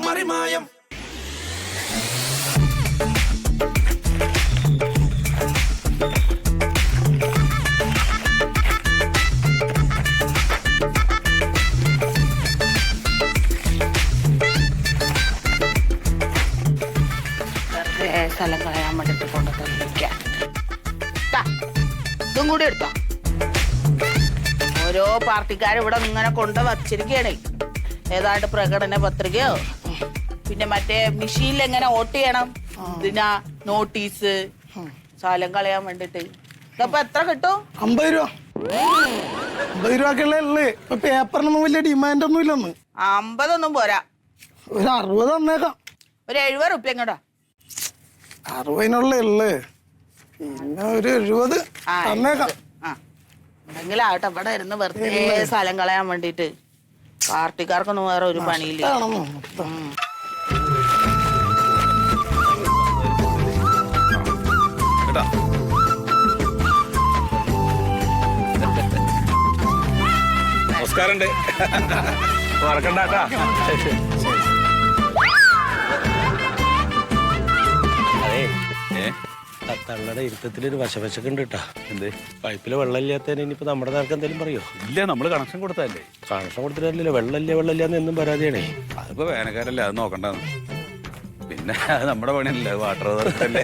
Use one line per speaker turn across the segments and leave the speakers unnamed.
മറിമായം.
സ്ഥലം കളയാൻ വേണ്ടിട്ട് കൊണ്ടുവന്നിരിക്കാം. ഇതും കൂടി എടുത്തോ. ഓരോ പാർട്ടിക്കാരും ഇവിടെ ഇങ്ങനെ കൊണ്ട് വച്ചിരിക്കണേ. ഏതാണ്ട് പ്രകടന പത്രികയോ പിന്നെ മറ്റേ മെഷീനിൽ എങ്ങനെ വോട്ട് ചെയ്യണം ഇതിനാ നോട്ടീസ് സ്ഥലം കളയാൻ വേണ്ടിട്ട്. ഇതപ്പൊ എത്ര കിട്ടും?
50 രൂപ. 50 രൂപക്കുള്ള ഇപ്പൊ പേപ്പറിനൊന്നും വലിയ ഡിമാൻഡ് ഒന്നും ഇല്ലെന്ന്.
50 ഒന്നും പോരാ,
ഒരു 60 തന്നേക്കാം.
ഒരു 70 റുപ്യ എങ്ങോട്ടാ?
60 ഉള്ളേ. പിന്നെ ഒരു 70 തന്നേക്കാം.
എന്തെങ്കിലാവട്ടെ, ഇവിടെ ഇരുന്ന് വെറുതെ സ്ഥലം കളയാൻ വേണ്ടിട്ട്. പാർട്ടിക്കാർക്കൊന്നും വേറെ ഒരു പണിയില്ല.
നമസ്കാരം. മറക്കണ്ടാട്ടാ.
തങ്ങളുടെ ഇരുത്തത്തിലൊരു വശവശൊക്കെ ഉണ്ട് കേട്ടാ. എന്ത് പൈപ്പില് വെള്ളമില്ലാത്തതിന് ഇനിയിപ്പോ നമ്മുടെ നേർക്ക് എന്തെങ്കിലും പറയോ?
ഇല്ല, നമ്മള് കണക്ഷൻ കൊടുത്തല്ലേ.
കണക്ഷൻ കൊടുത്തിട്ടില്ലല്ലോ. വെള്ളമില്ലാന്ന് എന്നും പരാതിയാണേ.
അതിപ്പോ വേനൽക്കാരല്ലേ, അത് നോക്കണ്ടെന്ന്. പിന്നെ അത് നമ്മുടെ പണിയല്ലേ, വാട്ടർ അതോറിറ്റി.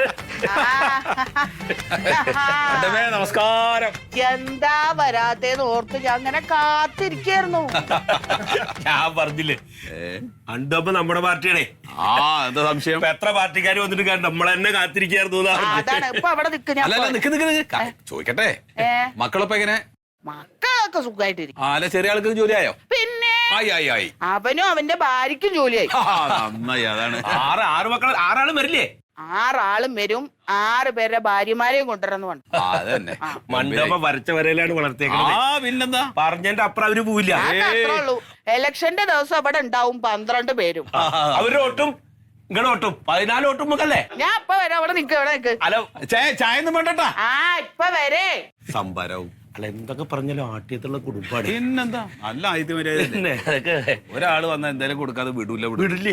നമസ്കാരം.
എന്താ വരാത്തേന്ന് ഓർത്ത് ഞാൻ അങ്ങനെ കാത്തിരിക്കായിരുന്നു.
ഞാൻ പറഞ്ഞില്ലേ അണ്ടപ്പോ നമ്മുടെ പാർട്ടിയാണേ.
ആ, എന്താ സംശയം?
എത്ര പാർട്ടിക്കാർ വന്നിട്ട് നമ്മളെന്നെ കാത്തിരിക്കായിരുന്നു.
അതാണ് ഇപ്പൊ അവിടെ
ചോദിക്കട്ടെ, മക്കളൊപ്പം എങ്ങനെ?
മക്കളൊക്കെ സുഖമായിട്ടിരിക്കും.
അല്ല, ചെറിയ ആൾക്ക് ജോലിയായോ?
പിന്നെ
ആയി.
അവനും അവന്റെ ഭാര്യക്കും ജോലിയായി.
നന്നായി. അതാണ്.
ആറ് മക്കൾ, 6 ആളും വരില്ലേ?
6 ആളും വരും. 6 പേരുടെ ഭാര്യമാരെയും കൊണ്ടുവരുന്നു.
അതന്നെ.
മണ്ഡപം വരച്ച വരയിലാണ് വളർത്തിയേക്കുന്നത്.
പിന്നെന്താ,
പറഞ്ഞതിന്റെ അപ്പുറം അവര് പോവില്ല.
അത്രേ ഉള്ളൂ. ഇലക്ഷന്റെ ദിവസം അവിടെ ഉണ്ടാവും 12 പേരും.
അവരുടെ ഓട്ടും ഇങ്ങനെ ഓട്ടും 14 ഓട്ടും മുക്കല്ലേ.
ഞാൻ ഇപ്പൊ വരാം. അവിടെ നിക്ക്, അവിടെ നിക്ക്.
ഹലോ,
ചായ ഒന്നും വേണ്ടട്ടാ.
ഇപ്പൊ വരേ.
സംഭരവും
അല്ല, എന്തൊക്കെ പറഞ്ഞാലും ആട്ടിയത്തുള്ള കുടുംബാണ്.
പിന്നെന്താ, നല്ല ആദ്യം വരെ ഒരാള് വന്നാ എന്തായാലും കൊടുക്കാതെ വിടില്ലേ.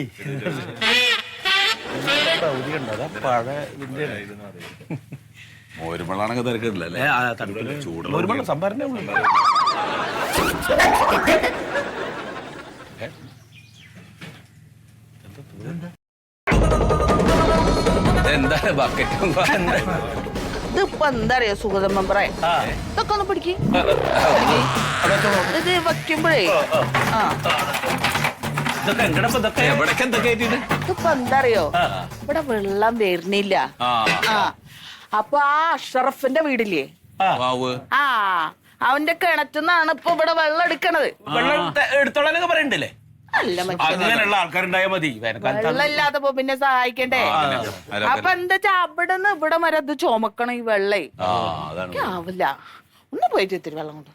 മോരുമളാണെങ്കിൽ തിരക്കില്ലല്ലേ?
ചൂടുള്ള സംഭരണ
എന്താ ബക്കറ്റും
ഇതിപ്പോ എന്താ അറിയോ സുഗതം മെമ്പറേ, ഇതൊക്കെ ഒന്ന് പിടിക്ക്. ഇത് വയ്ക്കുമ്പോഴേ
എവിടേക്ക് എന്തൊക്കെ ആയിട്ടുണ്ട്.
ഇതിപ്പോ എന്താ അറിയോ, ഇവിടെ വെള്ളം വരുന്നില്ല. അപ്പൊ ആ അഷറഫിന്റെ വീടില്ലേ, അവന്റെ കിണറ്റുന്നാണ് ഇപ്പൊ ഇവിടെ വെള്ളം എടുക്കണത്.
വെള്ളം എടുത്തോളാനൊക്കെ പറയണ്ടല്ലേ? അങ്ങനെയുള്ള ആൾക്കാരുണ്ടായാൽ മതി.
വെള്ളമില്ലാത്തപ്പോ പിന്നെ സഹായിക്കണ്ടേ? അപ്പൊ എന്താ വെച്ചാ അവിടെ നിന്ന് ഇവിടെ വരെ അത് ചുമക്കണം ഈ വെള്ളേ. ആവില്ല. ഒന്ന് പോയിട്ട് ഇത്തിരി വെള്ളം കൊണ്ട്.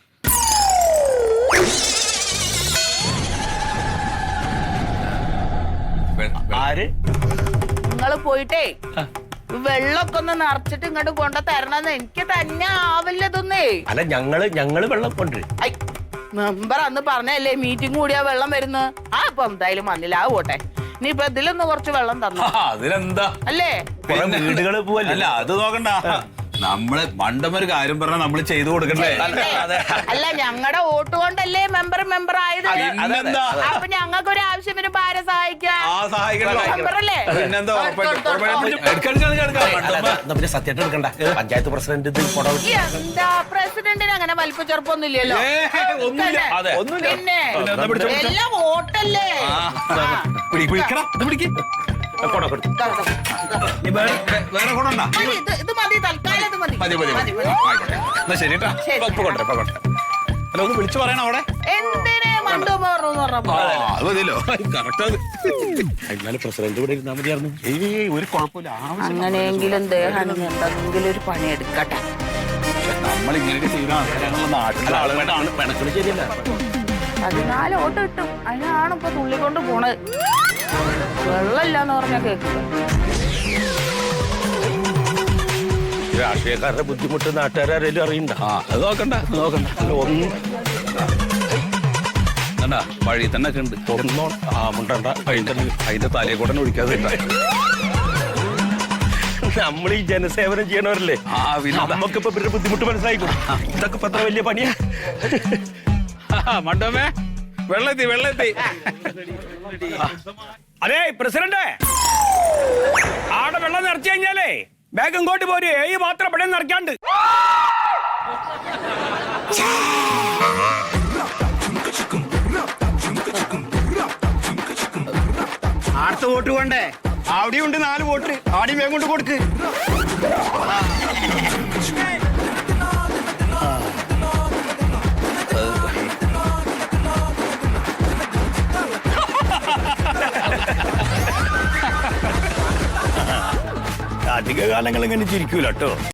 ആര്?
നിങ്ങള് പോയിട്ടേ വെള്ളമൊക്കെ ഒന്ന് നിറച്ചിട്ട് ഇങ്ങോട്ട് കൊണ്ട തരണമെന്ന്. എനിക്ക് തന്നെ ആവില്ലതൊന്നേ.
അല്ല, ഞങ്ങള് വെള്ളം കൊണ്ടുവരും.
മെമ്പർ അന്ന് പറഞ്ഞല്ലേ മീറ്റിംഗ് കൂടിയാ വെള്ളം വരുന്നു. ഇപ്പൊ എന്തായാലും വന്നില്ല. പോട്ടെ, ഇനിയിപ്പൊ ഇതിലൊന്ന് കുറച്ച് വെള്ളം തന്നു.
അതിലെന്താ
അല്ലേ?
വീടുകള് പോവല്ലേ?
അല്ല, അത് നോക്കണ്ട. നമ്മള് മണ്ടമൊരു കാര്യം പറഞ്ഞാൽ നമ്മള് ചെയ്തു കൊടുക്കണ്ടേ?
അല്ല, ഞങ്ങളുടെ വോട്ട് കൊണ്ടല്ലേ മെമ്പർ ആയത്. അപ്പൊ ഞങ്ങൾക്ക് ഒരു ആവശ്യം വരുമ്പോ ആരെ സഹായിക്കാം? മെമ്പറല്ലേ?
സത്യമായിട്ട് എടുക്കണ്ട. പഞ്ചായത്ത് പ്രസിഡന്റ്
എന്താ പ്രസിഡന്റിന് അങ്ങനെ വലിപ്പ ചെറുപ്പൊന്നും ഇല്ലല്ലോ. പിന്നെ എല്ലാം വോട്ടല്ലേ.
വേറെ കൊണ്ടാ
ഇത് മതി, തൽക്കാലം ഇത് മതി.
ശരിട്ടാ. അല്ല, ഒന്ന് വിളിച്ചു പറയണം അവിടെ.
എന്തിനെ മണ്ടോ പറഞ്ഞപ്പോ
അത് മതിയല്ലോ.
പ്രസിഡന്റ് ഇവിടെ ഇരുന്നാ മതിയായിരുന്നു.
ഒരു കുഴപ്പമില്ല.
അങ്ങനെയെങ്കിലും ദേഹം എന്തെങ്കിലും ഒരു പണി എടുക്കട്ടെ.
നമ്മൾ ഇങ്ങനെയൊക്കെ ചെയ്യുന്ന ആൾക്കാരാണല്ലോ നാട്ടിലെ ആളുകളാണ്. പിണക്കല് ശരിയല്ല.
14 വോട്ട് കിട്ടും. അതിനാണ് ഇപ്പൊ തുള്ളിക്കൊണ്ട് പോണത്. വെള്ളമില്ലാന്ന് പറഞ്ഞാ കേൾക്കുക.
രാഷ്ട്രീയക്കാരുടെ ബുദ്ധിമുട്ട് നാട്ടുകാരും അറിയണ്ട.
അത് നോക്കണ്ട.
ഒന്ന്
കണ്ടാ വഴി തന്നെ ഒക്കെ ഉണ്ട്.
തുറന്നോണം. ആ മുണ്ടണ്ട.
അതിന്റെ തലയെ കൂടെ ഒഴിക്കാതെ ഇട്ടാ.
നമ്മൾ ഈ ജനസേവനം ചെയ്യണവരല്ലേ,
ആ, പിന്നെ
നമുക്കിപ്പോ ഇവരുടെ ബുദ്ധിമുട്ട് മനസ്സിലായിക്കോ. ഇതൊക്കെ ഇപ്പൊ എത്ര വലിയ പണിയാ.
മണ്ടോമേ വെള്ളത്തി വെള്ളത്തി.
അതെ പ്രസിഡന്റ്, ആടെ വെള്ളം നിറച്ചു കഴിഞ്ഞാലേ ബാഗ് ഇങ്ങോട്ട് പോര്. ഈ മാത്രം ഇവിടെ നിറയ്ക്കാണ്ട്. അടുത്ത വോട്ട് കൊണ്ടേ അവിടെയും ഉണ്ട് 4 വോട്ട്. ആടെയും വേഗം കൊണ്ട് കൊടുക്ക്. അധിക കാലങ്ങൾ ഇങ്ങനെ ചിരിക്കൂല കേട്ടോ.